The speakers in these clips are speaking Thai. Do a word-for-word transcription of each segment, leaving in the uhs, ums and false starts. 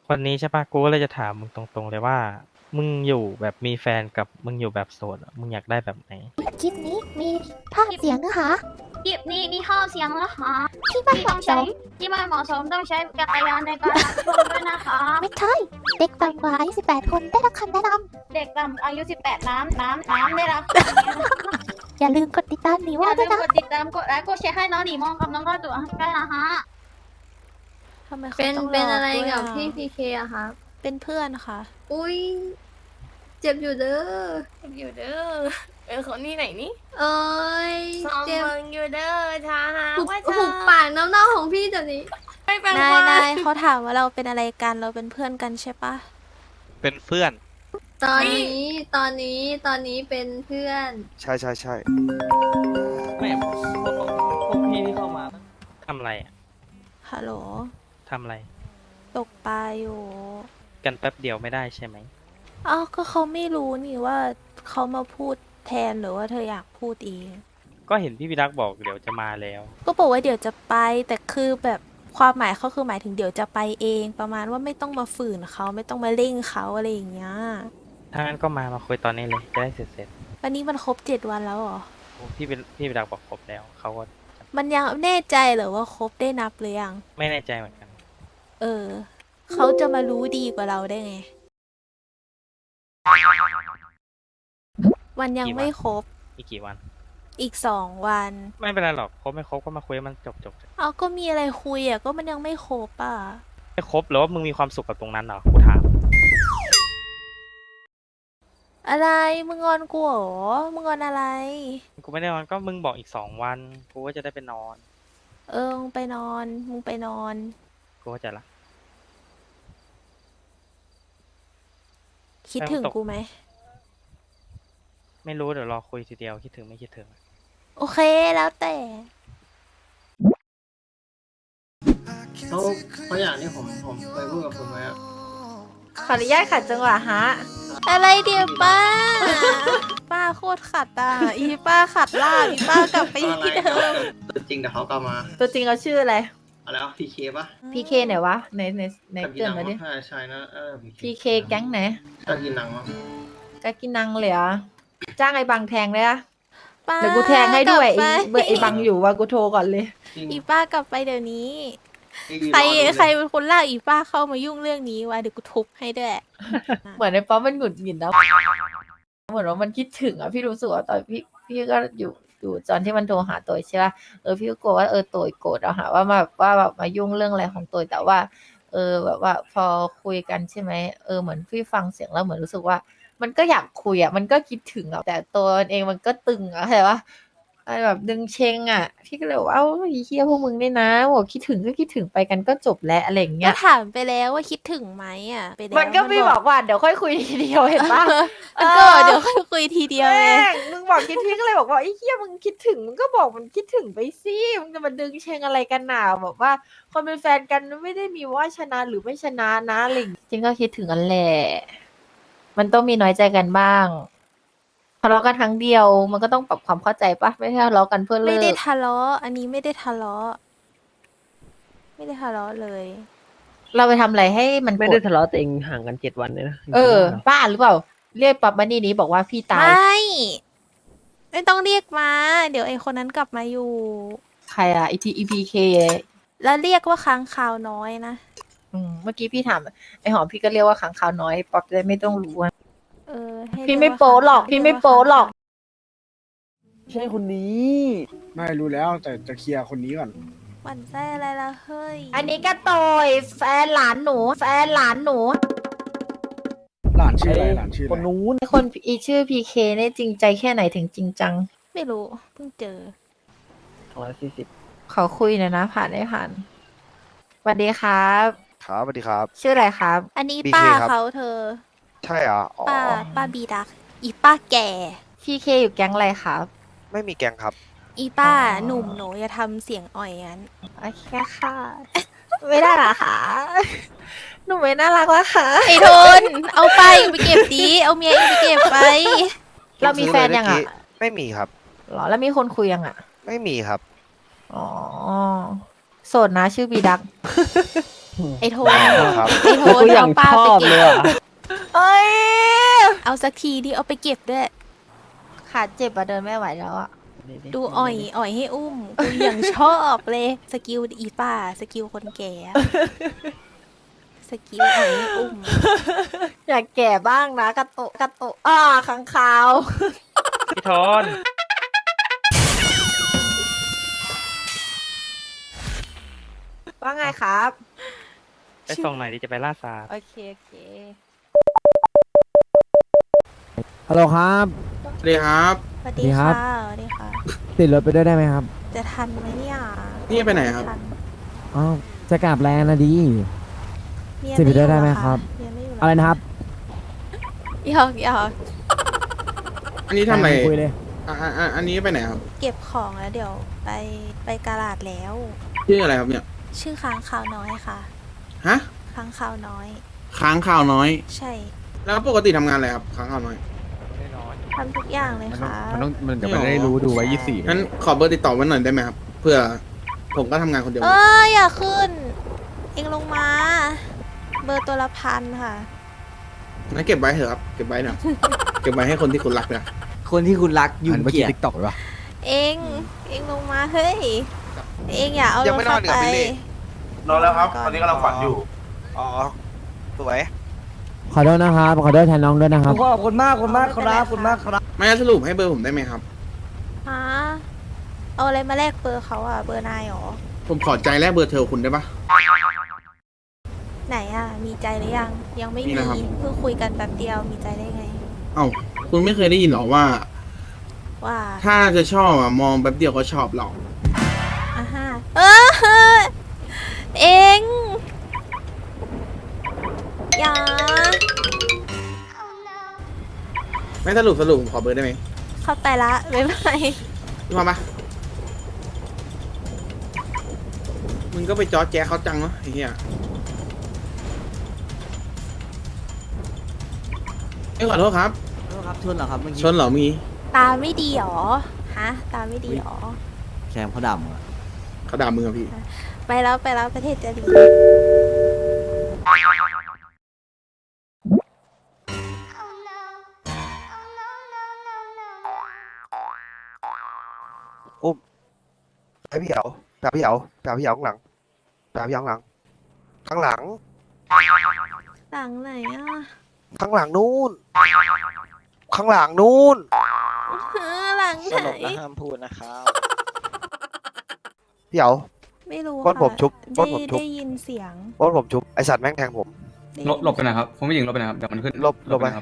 วันนี้ใช่ปะกูก็เลยจะถามมึงตรงๆเลยว่ามึงอยู่แบบมีแฟนกับมึงอยู่แบบโสดอะมึงอยากได้แบบไหนคลิปนี้มีภาพเสียงนะคะคลิปนี้มีข้อเสียงนะคะที่ไม่ที่เหต้อมาะงสใช้มที่ไม่เหมาะสมต้องใช้จักรยานในการรับชมด้วยนะคะไม่ใช่เด็กต่ำกว่าอายุสิบแปดคนได้รับคำแนะนเด็กต่ำอายุสิบแปดน้ำน้ำน้ำได้รับำอย่าลืมกดติดตามหนีอว่าย่าด้ลืวยมนะกดติดตามกดไลค์กดแชร์ให้น้องหนีมองกับน้องก็ตัวด้วยนะคะทำไมเขาเป็นต้องเป็นหลอะไรด้วยกับอะพี่พีเคอะครับเป็นเพื่อนค่ะอุ้ยเจ็บอยู่เด้ออยู่เด้อเออคนนี้ไหนนี่เอ้ยซอมเจ็บเมืองอยู่เด้อช้าหาหุบว่าหุบปากน้ำเน่าของพี่เดี๋ยวนี้ไม่เป็นไรนายเขาถามว่าเราเป็นอะไรกันเราเป็นเพื่อนกันใช่ปะเป็นเพื่อนตอนนี้ตอนนี้ตอนนี้เป็นเพื่อนใช่ใช่ใช่ไม่พวกพวกพี่ที่เข้ามาทำอะไรอะฮัลโหลทำอะไรตกปลาอยู่กันแป๊บเดียวไม่ได้ใช่ไหมอ้าวก็เขาไม่รู้นี่ว่าเขามาพูดแทนหรือว่าเธออยากพูดเองก็เห็นพี่พิรักษ์บอกเดี๋ยวจะมาแล้วก็บอกว่าเดี๋ยวจะไปแต่คือแบบความหมายเขาคือหมายถึงเดี๋ยวจะไปเอง ประมาณว่าไม่ต้องมาฝืนเขาไม่ต้องมาเร่งเขาอะไรอย่างเงี้ยถ้างั้นก็มามาคุยตอนนี้เลยจะได้เสร็จเสร็จวันนี้มันครบเจ็ดวันแล้วเหรอๆพี่เป็นพี่พิรักษ์บอกครบแล้วเขาก็มันยังแน่ใจเหรอว่าครบได้นับหรือยังไม่แน่ใจเหมือนกันเออ เขาจะมารู้ดีกว่าเราได้ไง วันยังไม่ครบอีกกี่วันอีกสองวันไม่เป็นไรหรอกครบไม่ครบก็มาคุยให้มันจบจบเอาก็มีอะไรคุยอ่ะ ก็มันยังไม่ครบอ่ะไม่ครบหรือว่ามึงมีความสุขกับตรงนั้นเหรอกูถามอะไร มึงงอนกูเหรอ มึงงอนอะไรกูไม่ได้นอนก็มึงบอกอีกสองวันกูก็จะได้ไปนอนเออ มึงไปนอน มึงไปนอนกูก็จะละคิดถึงไม่ต้องตกกูไหมไม่รู้เดี๋ยวรอคุยทีเดียวคิดถึงไม่คิดถึงโอเค แล้วแต่เขาเขาอย่างที่ผมผมเคยพูดกับคุณไว้อะขออนุญาตขัดจังหวะฮะอะไรเดี๋ยวป้า ป้าโคตรขัดอ่ะ อีป้าขัดล่ากอีป้ากลับไปที่เดิมตัวจริงแต่เขากลับมาตัวจริงเขาชื่ออะไรอะไรวะพีเคปะพีเคไหนวะในในในกับกิเตือนนังมาดิมั้งใช่ใช่นะเออพีเคแก๊งไหนก็กินนังมั้งกากินังเลยเหรอจ้างไอ้บังแทงเลยอะป้าเดี๋ยวกูแทงให้ด้วยกลัไอ้บไปเบอร์ไอ้บังอยู่ว่ากูโทรก่อนเลยจริงอีป้ากลับไปเดี๋ยวนี้นี่ยืนใครอดูเลยใครเป็นคนลากอีป้าเข้ามายุ่งเรื่องนี้วะเดี๋ยวกูทุบให้ด้วยเหมือนในป๊อปมันหงุดหงิดแล้วเหมือนว่ามันคิดถึงอ่ะพี่รู้สึกว่าตอนพี่พี่ก็อยู่อยู่ตอนที่มันโทรหาตัวใช่ป่ะเออพี่ก็กลัวว่าเออตัวโกรธเอาหาว่ามาแบบว่าแบบมายุ่งเรื่องอะไรของตัวแต่ว่า เออแบบว่าพอคุยกันใช่ไหมเออเหมือนพี่ฟังเสียงแล้วเหมือนรู้สึกว่า มันก็อยากคุยอ่ะมันก็คิดถึงอ่ะแต่ตัวมันเองมันก็ตึงอ่ะเข้าใจปะอะไรแบบดึงเชงอ่ะ พี่ก็เลยบอกว่าเอ้าไอ้เฮียพวกมึงเนี่ยนะบอกคิดถึงก็คิดถึงไปกันก็จบแล้วอะไรอย่างเงี้ก็ยถามไปแล้วว่าคิดถึงไหมอ่ะไปแล้วมันก็ไม่บอกว่าเดี๋ยวค่อยคุยทีเดียวเห็นปะมันก็เดี๋ยวค่อยคุยทีเดียวไงแม่งมึงบอกคิดถึงก็เลยบอกว่าไอ้เหี้ยมึงคิดถึงมึงก็บอกมันคิดถึงไปสิมึงจะมาดึงเชงอะไรกันหนาบอกว่าคนเป็นแฟนกันไม่ได้มีว่าชนะหรือไม่ชนะนะอะไรอย่างงี้จริงก็คิดถึงกันแหละมันต้องมีน้อยใจกันบ้างทะเลาะกันครั้งเดียว มันก็ต้องปรับความเข้าใจปะไม่ใช่ทะเลาะกันเพื่อเลิไม่ได้กทะเลาะอันนี้ไม่ได้ทะเลาะไม่ได้ทะเลาะเลยเราไปทำอะไรให้มันไม่โกรได้ธทะเลาะแต่เองห่างกันเจ็ดวันเลยนะเออบ้าหรือเปล่า เรียกปั๊บมานี่นี้บอกว่าพี่ตายไม่ ไม่ต้องเรียกมา เดี๋ยวไอคนนั้นกลับมาอยู่ใครอะอีพีอีพีเคแล้วเรียกว่าค้างคาวน้อยนะอืมเมื่อกี้พี่ถามไอหอมพี่ก็เรียกว่าขังขาวน้อยป๊อปจะได้ไม่ต้องรู้อะเออให้พี่เรียไม่กว่าโป๊หรอกค้างพี่เยไม่ว่าโป๊หรอกใช่คนนี้ไม่รู้แล้วแต่จะเคลียร์คนนี้ก่อนหวั่นไส้อะไรล่ะเฮ้ยอันนี้ก็โตยแฟนหลานหนู แฟนหลานหนูหลานชื่ออะไรหลานชื่อคอะนไรนู้นไอคนอีชื่อพีเคเนี่ยจริงใจแค่ไหนถึงจริงจังไม่รู้เพิ่งเจอสองร้อยสี่สิบขอคุยหน่อยนะ ผ่านได้ผ่านสวัสดีครับครับสวัสดีครับชื่ออะไรครับอันนี้บีเคป้าครับเขาเธอใช่เหรออ๋อป้าป้าบีดัก อีป้าแก่พีเคอยู่แก๊งอะไรครับไม่มีแกงครับอีป้าอ๋อหนุ่มหนูอย่าทำเสียงอ่อยงั้นโอเคค่ะ ไม่ได้หรอคะหนูไม่น่ารักแล้วค่ะไอ้โทน เอาไปไปเก็บดี เอาเมียเองไปเก็บไปเรามีแฟนยังอ่ะไม่มีครับหรอแล้วมีคนคุยยังอ่ะไม่มีครับอ๋อ โสดนะชื่อบีดักไอโทนครับไอโทแล้วนกูยัเอางป้าชไปอบเก็เลยบอ่ะเอ้ยเอาสักทีดิเอาไปเก็บด้วยขาเจ็บอะเดินไม่ไหวแล้วอะดูอ่อยอ่อยให้อุ้มกูยังชอบเลย สกิลอีป้า สกิลคนแก่อะสกิลอ่อยให้อุ้มอยากแก่บ้างนะกระโตะกระโตะอ่าขังขาวพี่ทอนว่าไงครับไปส่งหน่อยดิจะไปล่าสัตว์โอเคโอเคฮัลโหลครับสวัสดีครับสวัสดีดีครัค่ะบสวัสดีค่ะติดรถไปด้วยได้ไหมครับจะทันไหมเนี่ยนี่ไปไหนครับทันอ๋อจะกลับแลนด์นะดีเมียสิบไม่อยู่ได้ไหมเหอครับเมียไม่อยู่เหอะไรนะครับหยอกหยอกอันนี้ทำอะไรคุยเลยอ่าอ่าอันนี้ไปไหนครับเก็บของแล้วเดี๋ยวไปไปกาลาดแล้วชื่ออะไรครับเนี่ยชื่อค้างคาวน้อยค่ะฮะค้างคาวน้อยค้างข่าวน้อยใช่แล้วปกติทำงานอะไรครับ ค้างข่าวน้อยทำทุกอย่างเลยค่ะมันต้องมันจะไม่ไม่หรอได้รู้ดูไว้ยี่สี่งั้นขอเบอร์ติดต่อไว้หน่อยได้ไหมครับ เพื่อผมก็ทำงานคนเดียวเอออย่าขึ้น เองลงมา เบอร์ตัวละพันค่ะงั้นเก็บไว้เถอะครับ เก็บไว้นะ เก็บไว้ให้คนที่คุณรักนะคนที่คุณรักยุ่หังนเมื่อเกีกี้ยจทิกตอกหรือเปล่าเองเองลงมาเฮ้ย เองอย่าเอายัรง ถไม่นเข้าอนอีกไปเหรอบิลลี่นอนแล้วครับ ตอนนี้กำลังฝันอยู่อ๋อ สวยขอโทษนะครับ ขอโทษแทนน้องด้วยนะครับขอบคุณมากขอบคุณมากครับขอบคุณมากครับไม่งั้นสรุปให้เบอร์ผมได้ไหมครับฮะเอาอะไรมาแลกเบอร์เขาอะเบอร์นายเหรอผมขอใจแลกเบอร์เธอคุณได้ปะไหนอะมีใจหรือยัง ยังไม่มีมีนะครับเพิ่งคุยกันแป๊บเดียวมีใจได้ไงเอ้า คุณไม่เคยได้ยินหรอว่าว่าถ้าจะชอบอะมองแป๊บเดียวก็ชอบเราอ่ะฮะเออเอง อย่าไม่สรุปสรุปผมขอเบอร์ได้ไหมเข้าไปละบ๊ายบายพี่มาปะมึงก็ไปจอแจ๊เขาจังเนาะไอ้เหี้ยเอ้ยขอโทษครับครับชนเหรอครับเมื่อกี้ชนเหรอมีตาไม่ดีหรอ ฮะ ตาไม่ดีหรอแคมเขาดำอ่ะเขาด่ามึงอะพี่ไปแล้วไปแล้วประเทศจะดีอุ้มไปพี่เหยาไปหาพี่เหยาไปหาพี่เหยาข้างหลังไปหาพี่เหยาข้างหลัง ข้างหลังหลังไหนอ่ะข้างหลังนู่น ข้างหลังนู่นเออหลังไหนห้ามพูดนะครับพี่เหยาไม่รู้ปล้นผมค่ะชุบปล้ได้นผมชุบได้ยินเสียงโอ้ผมชุบ ไอสัตว์แม่งแทงผมได้หลบหลบไปนะครับ ผมไม่ยิงหลบไปนะครับ เดี๋ยวมันขึ้นหลบหลบไปนะครับ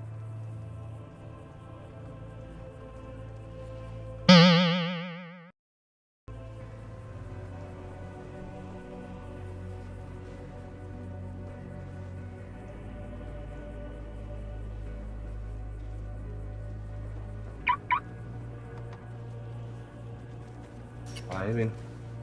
ไปวิน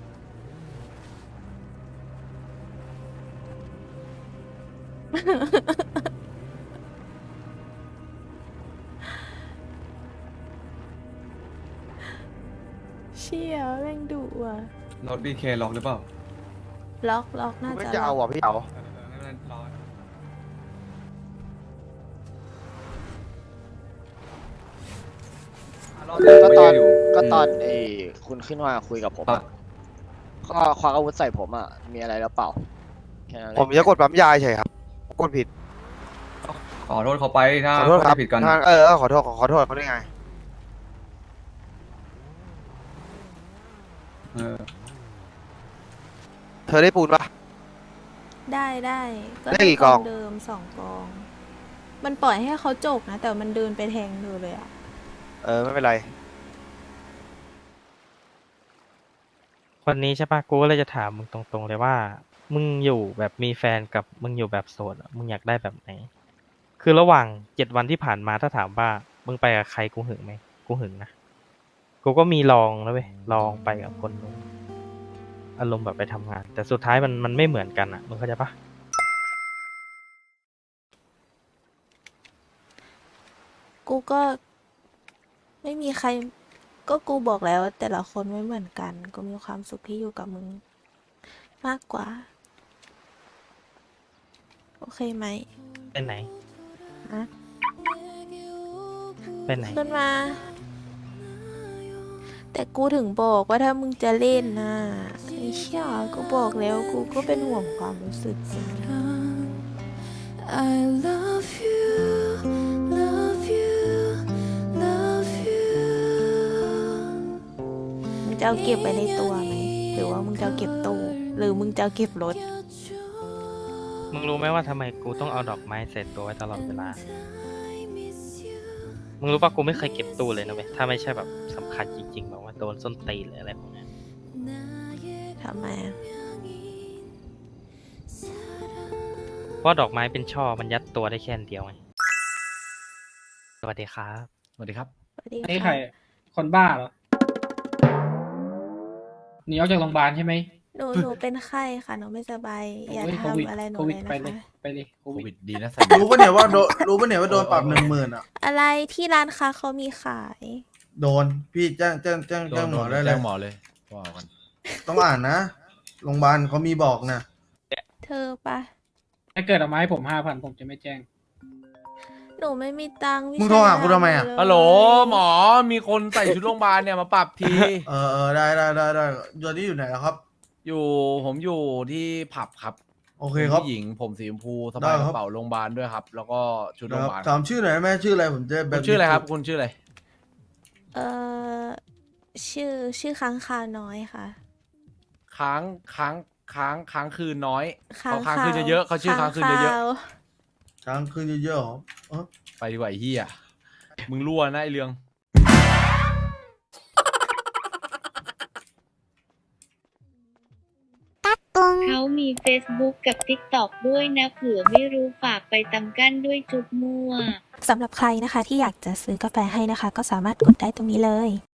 เชี่ยแม่งดุอ่ะรถดีเคล็อกหรือเปล่าล็อกล็อกน่าไม่จะจะล็เอาอกอ่ะพี่เหยาไม่เป็นไรรอก็ตอนไม่ได้ยู่ก็ตอนมไอ้คุณขึ้นมาคุยกับผมครัอะบก็ควักอาวุธใส่ผมอ่ะ มีอะไรแล้วเปล่าแค่นั้นแหละผมจะกดปั๊มยาเฉยครับ กดผิดขอโทษเขาไปถ้าขอโทษครับเข้าใจผิดกันถ้าเออเออขอโทษขอขอโทษเขาได้ไงเออเธอได้ปูนปะได้ได้ก็ได้กี่กองเดิมสองกอง มันปล่อยให้เขาจกนะ แต่มันเดินไปแทงเธอเลยอ่ะเออไม่เป็นไรวันนี้ใช่ปะกูก็เลยจะถามมึงตรงๆเลยว่า มึงอยู่แบบมีแฟนกับมึงอยู่แบบโสดอะมึงอยากได้แบบไหน คือระหว่างเจ็ดวันที่ผ่านมาถ้าถามว่า มึงไปกับใครกูหึงไหมกูหึงนะ กูก็มีลองนะเว้ยลองไปกับคนนึงอารมณ์แบบไปทำงาน แต่สุดท้ายมันมันไม่เหมือนกันอ่ะมึงเข้าใจปะกูก็ไม่มีใคร ก็กูบอกแล้วว่าแต่ละคนไม่เหมือนกัน กูมีความสุขที่อยู่กับมึง มากกว่าเคไหมไปไหนฮะไปไหนขึ้นมา แต่กูถึงบอกว่าถ้ามึงจะเล่นนะไอ้เชี่ยกูบอกแล้วกูก็เป็นห่วงความรู้สึกมึง I love you love you love you มึงจะเอาเก็บไว้ในตัวไหม หรือว่ามึงจะเอาเก็บตู้หรือมึงจะเอาเก็บรถมึงรู้ไหมว่าทำไมกูต้องเอาดอกไม้ใส่ตัวไว้ตลอดเวลา มึงรู้ป่ะกูไม่เคยเก็บตู้เลยนะเว้ย ถ้าไม่ใช่แบบสำคัญจริงๆแบบว่าโดนส้นตีนหรืออะไรพวกเนี้ยทำไมอะเพราะดอกไม้เป็นช่อมันยัดตัวได้แค่อันเดียวไง สวัสดีครับสวัสดีครับสวัสดีนี่ค่ะใครคนบ้าเหรอหนีออกจากโรงพยาบาลใช่ไหมหนูหนูเป็นไข้ค่ะหนูไม่สบาย อย่าโอ้ยโควิดทำอะไรหนูโควิดเลยไปนะเลยคะไปเลยโคโควิวิดดดีนะใส่รู้ปะเนี่ยว่าโดนรู้ปะเนี่ยว่าโดนปรับหนึ่งหมื่นอ่ะอะไรที่ร้านค้าเขามีขายโดนพี่แจ้งแจ้งแจ้งแจ้งหมอได้เลยแจ้งหมอเลยว่ากันต้องอ่านนะโรงพยาบาลเขามีบอกนะเธอปะถ้าเกิดเอามาให้ผมห้าพันผมจะไม่แจ้งหนูไม่มีตังค์มึงโทรหากูทำไมอ่ะเลยฮัลโหลหมอมีคนใส่ชุดโรงพยาบาลเนี่ยมาปรับทีเออเออได้ได้ได้ได้ตอนนี้อยู่ไหนแล้วครับอยู่ผมอยู่ที่ผับครับโอเคครับผู้หญิงผมสีชมพูสได้บายกครับระเป๋าโรงพยาบาลด้วยครับ แล้วก็ชุดโรงพนะยาบาลถามชื่อหน่อยได้ไหมชื่ออะไรผมจะแบคุบณชื่ออะไรครับ คุณชื่ออะไรเออชื่อชื่อค้างคาวน้อยค่ะค้างค้างค้างค้างคืนน้อยค้างเขาค้างคาวคืนเยอะๆเขาชื่อค้างคืนเยอะวช้างคืนเยอะๆเหรอเออๆไปดีกว่าไอ้เฮียมึงรั่วนะไอเรืองเขามี Facebook กับ TikTok ด้วยนะเผื่อไม่รู้ฝากไปตำกั้นด้วยจุ๊บมั่วสำหรับใครนะคะที่อยากจะซื้อกาแฟให้นะคะ ก็สามารถกดได้ตรงนี้เลย